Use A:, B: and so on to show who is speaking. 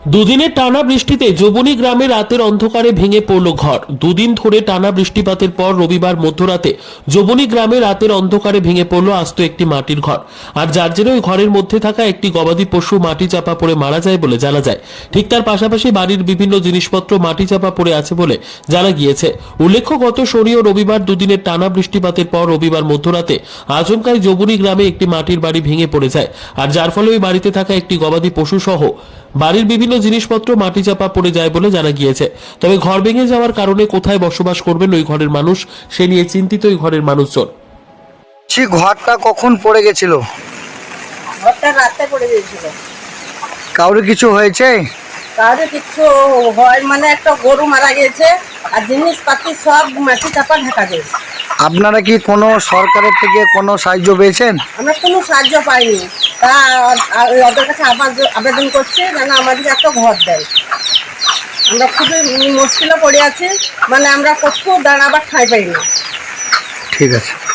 A: দুদিনের টানা বৃষ্টিতে যোবনী গ্রামে রাতের অন্ধকারে ভেঙে পড়ল ঘর। দুদিন ধরে টানা বৃষ্টিপাতের পর রবিবার মধ্যরাতে যোবনী গ্রামে রাতের অন্ধকারে ভেঙে পড়ল আস্ত একটি মাটির ঘর। আর যার জেরে ওই ঘরের মধ্যে থাকা একটি গবাদি পশু মাটি চাপা পড়ে মারা যায় বলে জানা যায়। ঠিক তার পাশাপাশি বাড়ির বিভিন্ন জিনিসপত্র মাটি চাপা পড়ে আছে বলে জানা গিয়েছে। উল্লেখ্য, গত শনি ও রবিবার দুদিনের টানা বৃষ্টিপাতের পর রবিবার মধ্যরাতে আচমকাই যোবনী গ্রামে একটি মাটির বাড়ি ভেঙে পড়ে যায়। আর যার ফলে ওই বাড়িতে থাকা একটি গবাদি পশু সহ বাড়ির বিভিন্ন জিনিসপত্র মাটি চাপা পড়ে যায় বলে জানা গিয়েছে। তবে ঘর ভেঙে যাওয়ার কারণে কোথায় বসবাস করবেন ওই ঘরের মানুষ, সে নিয়ে চিন্তিত ওই ঘরের মানুষজন।
B: সেই ঘরটা কখন পড়ে গেছিল?
C: ঘরটা রাতে পড়ে গিয়েছিল।
B: কাউরে কিছু হয়েছে?
C: কারো কিছু হয় মানে একটা গরু মারা গেছে আর জিনিসপাতি সব মাটি চাপা ঢাকা দিয়েছে।
B: আপনারা কি কোনো সরকারের থেকে কোনো সাহায্য পেয়েছেন?
C: আমরা কোনো সাহায্য পাইনি, তা ওদের কাছে আবেদন করছি যেন আমাদের একটা ঘর দেয়। আমরা খুবই মুশকিলে পড়ে আছি, মানে আমরা কোথাও দাঁড়াবার ঠাঁই পাই না।
B: ঠিক আছে।